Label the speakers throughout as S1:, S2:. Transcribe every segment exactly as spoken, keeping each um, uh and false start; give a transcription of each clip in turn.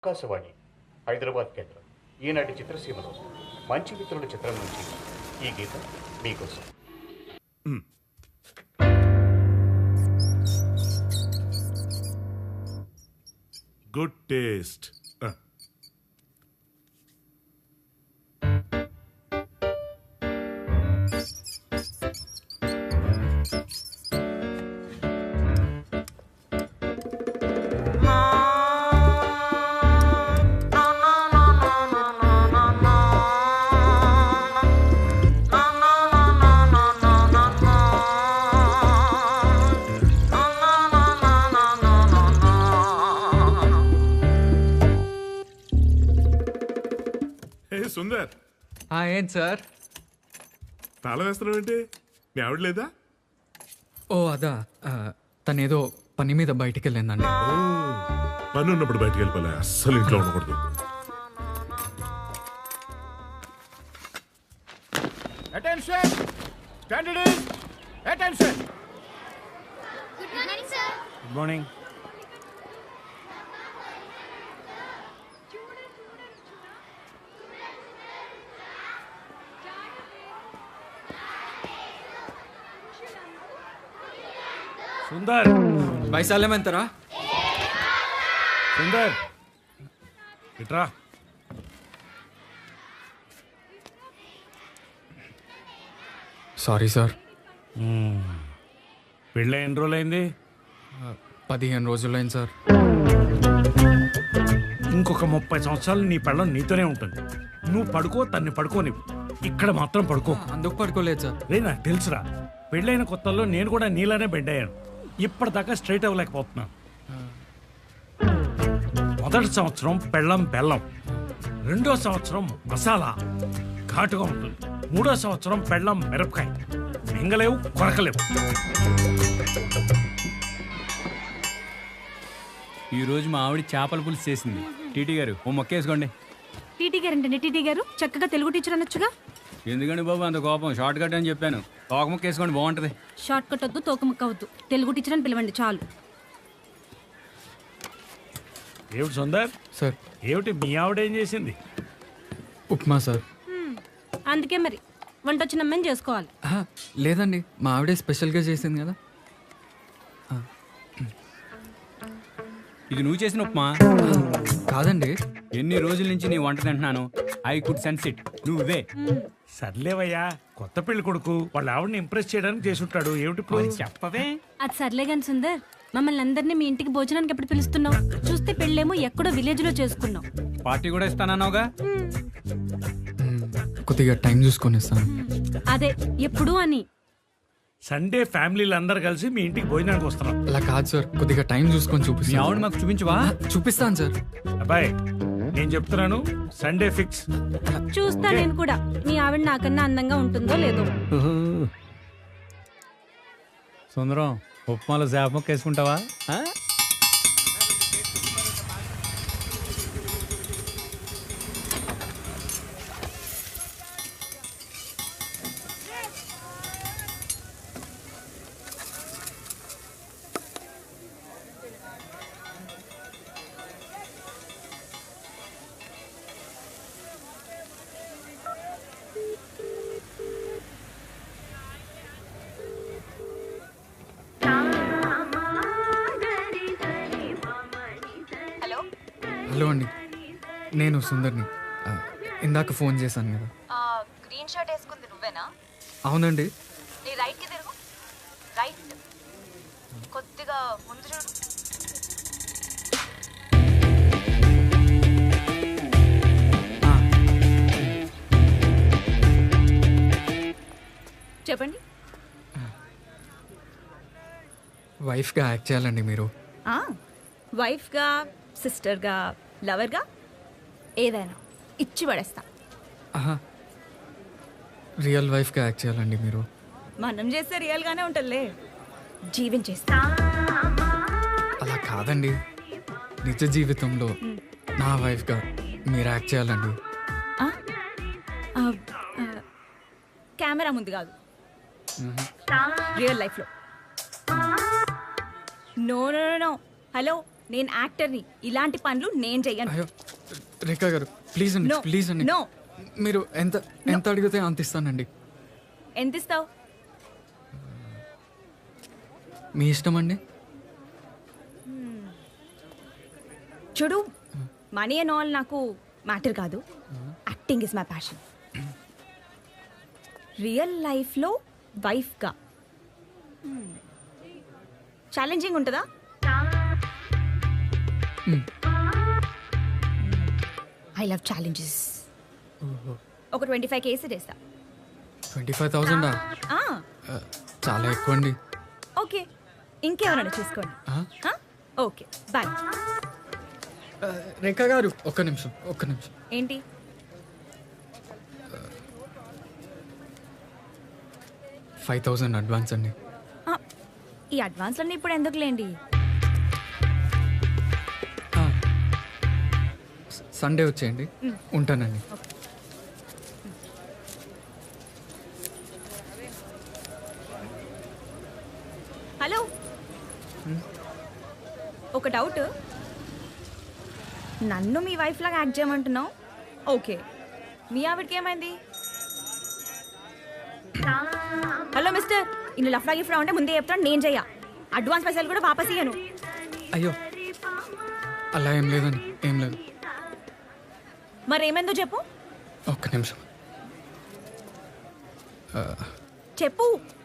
S1: ఆకాశవాణి హైదరాబాద్ కేంద్రం ఈనాటి చిత్రసీమలో మంచి మిత్రుల చిత్రం నుంచి ఈ గీతం మీకోసం.
S2: Good taste. సుందర్,
S3: ఏంటి సార్
S2: తాళం వేస్తున్నావు ఏంటి? మీ ఆవిడ లేదా?
S3: ఓ అదా, తనేదో పని మీద బయటికి వెళ్ళిందండి.
S2: పని ఉన్నప్పుడు బయటికి వెళ్ళిపోలే, అస్సలు ఇంట్లో ఉండకూడదు.
S4: Attention standards, attention.
S5: Good morning sir.
S4: Good morning. Sundar,
S3: వైశాల్యమంతరా?
S4: సుందర్ ఇట్రా.
S3: Sorry sir.
S4: పెళ్ళి ఎన్ని రోజులైంది?
S3: పదిహేను రోజులైంది సార్.
S4: ఇంకొక ముప్పై సంవత్సరాలు నీ పెళ్ళం నీతోనే ఉంటుంది. నువ్వు పడుకో, తన్ని పడుకోనివ్వు. ఇక్కడ మాత్రం పడుకో.
S3: అందుకు పడుకోలేదు సార్.
S4: రే, నాకు తెలుసురా, పెళ్ళైన కొత్తల్లో నేను కూడా నీలానే బెండ్ అయ్యాను. ఇప్పటిదాకా స్ట్రైట్ అవ్వలేకపోతున్నాను. మొదటి సంవత్సరం పెళ్ళం బెల్లం, రెండో సంవత్సరం మసాలా ఘాటుగా ఉంటుంది, మూడో సంవత్సరం పెళ్ళం మిరపకాయ, మింగలేవు కొరకలేవు.
S6: ఈరోజు మా ఆవిడ చేపల పులుసు చేసింది. టీటీ గారు ఓ మొక్క వేసుకోండి.
S5: టీటీ గారు అంటే టీటీ గారు చక్కగా తెలుగు టీచర్ అనొచ్చుగా.
S6: ఎందుకండి బాబు అంత కోపం? షార్ట్ కట్ అని చెప్పాను. తోక ముక్క వేసుకోండి, బాగుంటది.
S5: షార్ట్ కట్ వద్దు, తోకముక్క వద్దు, తెలుగు టీచర్ అని పిలవండి చాలు.
S4: ఏమిటి సుందర్
S3: సార్,
S4: ఏమిటి మీ ఆవిడ ఏం చేసింది?
S3: ఉప్మా సార్.
S5: అందుకే మరి వంట వచ్చిన అమ్మని చేసుకోవాలి.
S3: ఆహా, లేదండి, మా ఆవిడే స్పెషల్గా చేసింది కదా.
S6: ఇది నువ్వు చేసిన ఉప్మా
S3: కాదండి.
S6: ఎన్ని రోజుల నుంచి నీ వంట తింటున్నాను. I could sense it. నువ్వే.
S4: సర్లేవయ్యా, కొత్త పెళ్లి కొడుకు వాళ్ళ ఆవిడని ఇంప్రెస్ చేయడానికి చేసుంటాడు. ఏమిటి ఇప్పుడు?
S6: చెప్పవే.
S5: అది సర్లే గాని సుందర్, మమ్మల్ని అందరినీ మీ ఇంటికి భోజనానికి ఎప్పుడు పిలుస్తున్నావు? చూస్తే పెళ్ళేమో ఎక్కడో విలేజ్ లో చేసుకున్నావు.
S6: పార్టీ కూడా ఇస్తానన్నావుగా.
S3: కొద్దిగా టైం చూసుకొని ఇస్తాను.
S5: అదే ఎప్పుడు అని.
S4: సండే ఫ్యామిలీలు అందరు కలిసి మీ ఇంటికి భోజనానికి వస్తున్నాం.
S3: అలా కాదు సార్, కొద్దిగా టైం చూసుకొని
S6: మీ
S3: చూపిస్తాను.
S6: ఆవిడ మాకు చూపించవా?
S3: చూపిస్తాను సార్.
S4: అబ్బాయి, నేను చెప్తున్నాను, సండే ఫిక్స్.
S5: చూస్తా నేను కూడా, మీ ఆవిడ నాకన్నా అందంగా ఉంటుందో లేదో.
S6: సుందరం, ఉప్మాలో చేప ముక్క వేసుకుంటావా?
S3: హలో అండి, నేను సుందర్ని. ఆ, ఇందాక ఫోన్ చేశాను కదా.
S7: గ్రీన్ షర్ట్ వేసుకుంది నువ్వేనా?
S3: అవునండి.
S7: నీ రైట్ కి తిరుగు. రైట్ కొద్దిగా ముందు చూడు.
S3: ఆ,
S7: చెప్పండి.
S3: వైఫ్గా యాక్ట్ చేయాలండి మీరు.
S7: వైఫ్గా, సిస్టర్గా, లవర్గా, ఏదైనా ఇచ్చి పడేస్తా.
S3: ఆహా, రియల్ వైఫ్గా యాక్ట్ చేయాలండి మీరు.
S7: మనం చేస్తే రియల్గానే ఉంటుందిలే, జీవించేస్తా.
S3: అలా కాదండి, నిజ జీవితంలో నా వైఫ్గా మీరు యాక్ట్ చేయాలండి.
S7: కెమెరా ముందు కాదు, రియల్ లైఫ్లో. నో నో నో హలో,
S8: నేను యాక్టర్ని. ఇలాంటి పనులు నేను చెయ్యను.
S3: అయ్యో రేఖా గారు ప్లీజ్ అండి
S8: No.
S3: ప్లీజ్ అండి
S8: No.
S3: మీరు ఎంత ఎంత అడిగితే అంత ఇస్తానండి.
S8: ఎంత ఇస్తావు?
S3: మీ ఇష్టం అండి.
S8: చూడు, మనీ అండ్ ఆల్ నాకు మ్యాటర్ కాదు. Acting is my passion. Real లైఫ్లో వైఫ్గా ఛాలెంజింగ్ ఉంటుందా? I love challenges. ఒక ట్వంటీ ఫైవ్ కేసీ వేస్తా.
S3: ట్వంటీ ఫైవ్ థౌజండా? చాలా ఎక్కువ అండి.
S8: ఓకే, ఇంకెవరైనా చూసుకోండి.
S3: ఆ?
S8: Okay bye.
S3: రేఖా గారు ఒక్క నిమిషం ఒక్క నిమిషం.
S8: ఏంటి?
S3: ఫైవ్ థౌజండ్ అడ్వాన్స్ అండి.
S8: ఆ, ఈ అడ్వాన్స్లన్నీ ఇప్పుడు ఎందుకులేండి?
S3: సండే వచ్చేయండి. ఉంటానండి.
S8: హలో, ఒక డౌట్. నన్ను మీ వైఫ్ లాగా యాక్ట్ చేయమంటున్నావు. ఓకే, మీ ఆవిడకి ఏమైంది? హలో మిస్టర్, ఇన్ని లఫ్లా గిఫ్లా ఉంటే ముందే చెప్తాను. నేను చెయ్య. అడ్వాన్స్ పైసలు కూడా వాపస్ ఇయ్యను.
S3: అయ్యో అలా ఏం లేదండి, ఏం లేదు.
S8: మరి ఏమైందో చెప్పు.
S3: ఒక్క నిమిషం.
S8: చెప్పు.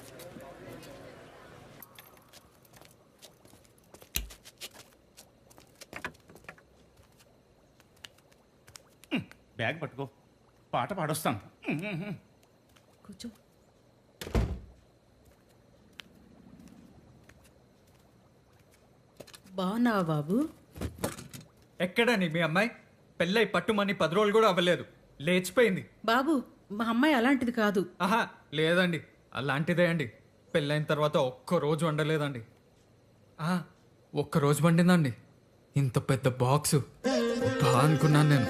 S1: బ్యాగ్ పట్టుకో, పాట పాడొస్తాను.
S8: కూర్చో.
S9: బాగున్నావా బాబు?
S3: ఎక్కడండి మీ అమ్మాయి? పెళ్ళై పట్టుమని పది రోజులు కూడా అవ్వలేదు, లేచిపోయింది.
S9: బాబు, మా అమ్మాయి అలాంటిది కాదు.
S3: ఆహా లేదండి, అలాంటిదే అండి. పెళ్ళైన తర్వాత ఒక్క రోజు వండలేదండి. ఆహా, ఒక్క రోజు వండిందండి. ఇంత పెద్ద బాక్సు బా అనుకున్నాను నేను.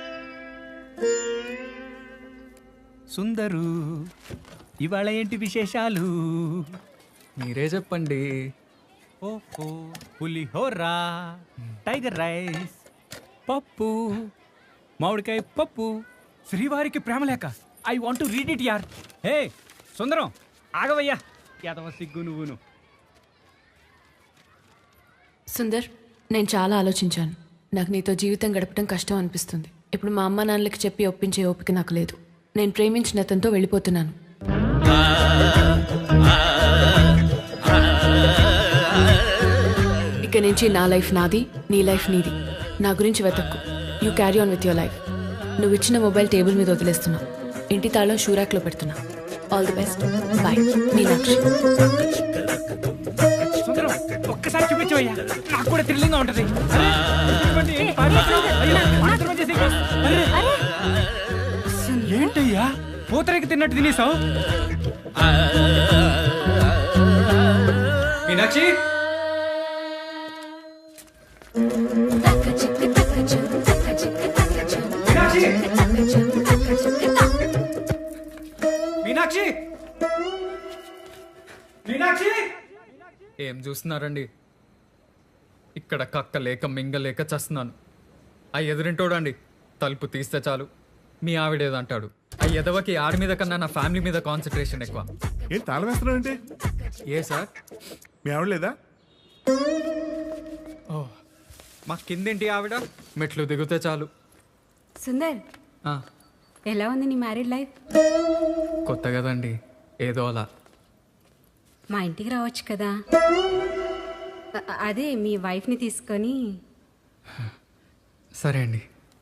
S6: సుందరు, ఇవాళ ఏంటి విశేషాలు?
S3: మీరే చెప్పండి.
S6: ఓహో, పులిహోరా, టైగర్ రైస్, పప్పు, మామిడికాయ పప్పు, శ్రీవారికి ప్రేమలేక. I want to read it యార్. హే సుందరం, ఆగవయ్యా, యాదవ సిగ్గు నువ్వును.
S7: సుందర్, నేను చాలా ఆలోచించాను. నాకు నీతో జీవితం గడపడం కష్టం అనిపిస్తుంది. ఇప్పుడు మా అమ్మ నాన్నలకి చెప్పి ఒప్పించే ఓపిక నాకు లేదు. నేను ప్రేమించిన అతనితో వెళ్ళిపోతున్నాను. ఇక నుంచి నా లైఫ్ నాది, నీ లైఫ్ నీది. నా గురించి వెతక్కు. You carry on with your life. నువ్వు ఇచ్చిన మొబైల్ టేబుల్ మీద వదిలేస్తున్నా. ఇంటి తాళం షూరాక్లో పెడుతున్నా. All the best. Bye. Meenakshi.
S4: Sundaram, ఒక్కసారి చూపించవయ్యా, నాకు కూడా థ్రిల్లింగ్ గా ఉంటది. ఏంటయ్యా పూతరేకి తిన్నట్టు తినేసావు?
S3: మీనాక్షి, మీనాక్షి, మీనాక్షి, ఏం చూస్తున్నారండి? ఇక్కడ కక్క లేక మింగలేక చస్తున్నాను. ఆ ఎదురింటోడండి తలుపు తీస్తే చాలు మీ ఆవిడేదంటాడు. ఆ ఎదవకి ఆడి మీద కన్నా నా ఫ్యామిలీ మీద కాన్సన్ట్రేషన్ ఎక్కువ.
S2: ఏం తాళం వేస్తున్నాడంటే?
S3: ఏ సార్,
S2: మీ ఆవిడ లేదా?
S3: ఓ మా కిందేంటి ఆవిడ? మెట్లు దిగితే చాలు.
S5: సుందర్,
S3: ఆ,
S5: ఎలా ఉంది నీ మ్యారీడ్ లైఫ్?
S3: కొత్త కదండి, ఏదో అలా.
S5: మా ఇంటికి రావచ్చు కదా. అ- అదే మీ వైఫ్ని తీసుకొని.
S3: సరే అండి.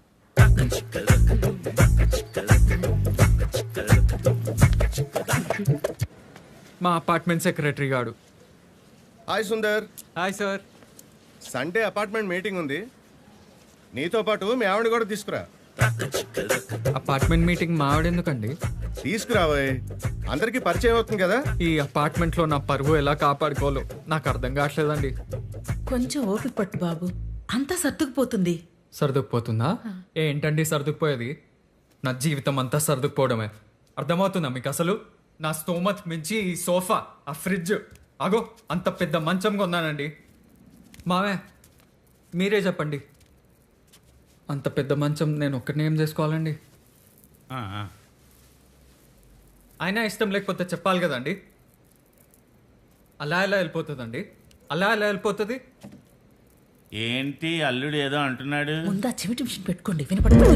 S3: మా అపార్ట్మెంట్ సెక్రటరీ గాడు.
S10: Hi Sundar.
S3: Hi sir.
S10: Sunday apartment meeting ఉంది, నీతో పాటు మీ ఆవిడ కూడా తీసుకురా.
S3: అపార్ట్మెంట్ మీటింగ్ మా ఆవిడ ఎందుకండి?
S10: తీసుకురాబోయ్, అందరికీ పరిచయం అవుతుంది కదా.
S3: ఈ అపార్ట్మెంట్లో నా పరువు ఎలా కాపాడుకోవాలో నాకు అర్థం కావట్లేదండి.
S9: కొంచెం ఓపిక పట్టు బాబు, అంతా సర్దుకుపోతుంది.
S3: సర్దుకుపోతుందా? ఏంటండి సర్దుకుపోయేది? నా జీవితం అంతా సర్దుకుపోవడమే. అర్థమవుతుందా మీకు అసలు? నా స్తోమత్ మించి ఈ సోఫా, ఆ ఫ్రిడ్జ్, అగో అంత పెద్ద మంచం కొన్నానండి. మావే మీరే చెప్పండి, అంత పెద్ద మంచం నేను ఒక్కడిని ఏం చేసుకోవాలండి?
S6: ఆ, ఆ.
S3: అయినా ఇష్టం లేకపోతే చెప్పాలి కదండి. అలా ఎలా వెళ్ళిపోతుందండి? అలా ఎలా వెళ్ళిపోతుంది?
S6: ఏంటి అల్లుడు ఏదో అంటున్నాడు?
S9: ముందా చెవిటి మిషన్ పెట్టుకోండి, వినపడుతుంది.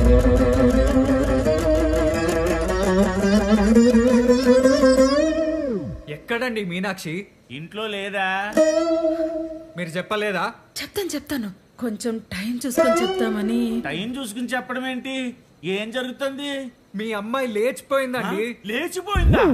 S3: ఎక్కడండి మీనాక్షి?
S6: ఇంట్లో లేదా?
S3: మీరు చెప్పలేదా?
S9: చెప్తాను చెప్తాను, కొంచెం టైం చూసుకొని చెప్తామని.
S6: టైం చూసుకుని చెప్పడం ఏంటి? ఏం జరుగుతుంది?
S3: మీ అమ్మాయి లేచిపోయిందండి.
S6: లేచిపోయిందా?